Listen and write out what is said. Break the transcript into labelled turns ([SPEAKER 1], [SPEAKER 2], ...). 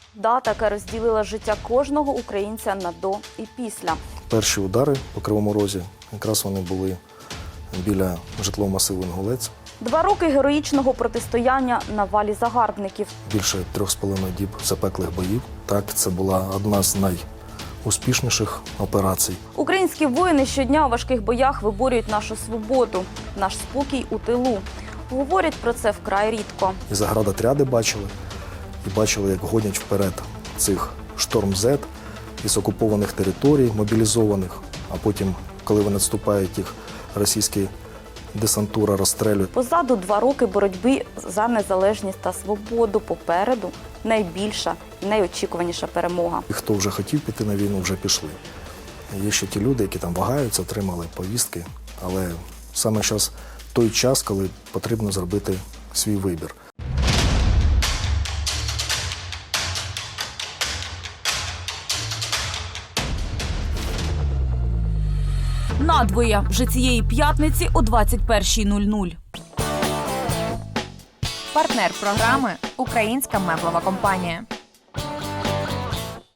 [SPEAKER 1] Дата, яка розділила життя кожного українця на до і після.
[SPEAKER 2] Перші удари по Кривому Розі, якраз вони були біля житлового масиву Інгулець.
[SPEAKER 1] 2 роки героїчного протистояння на валі загарбників.
[SPEAKER 2] Більше 3,5 діб запеклих боїв. Так, це була одна з найуспішніших операцій.
[SPEAKER 1] Українські воїни щодня у важких боях виборюють нашу свободу, наш спокій у тилу. Говорять про це вкрай рідко.
[SPEAKER 2] І заградотряди бачили, і бачили, як гонять вперед цих «Шторм-Зет» із окупованих територій, мобілізованих, а потім, коли вони відступають, їх російські десантура розстрілюють.
[SPEAKER 1] Позаду 2 роки боротьби за незалежність та свободу. Попереду найбільша і найочікуваніша перемога.
[SPEAKER 2] І хто вже хотів піти на війну, вже пішли. Є ще ті люди, які там вагаються, отримали повістки, але саме зараз той час, коли потрібно зробити свій вибір.
[SPEAKER 3] Надвоє вже цієї п'ятниці о 21:00.
[SPEAKER 4] Партнер програми – Українська меблова компанія.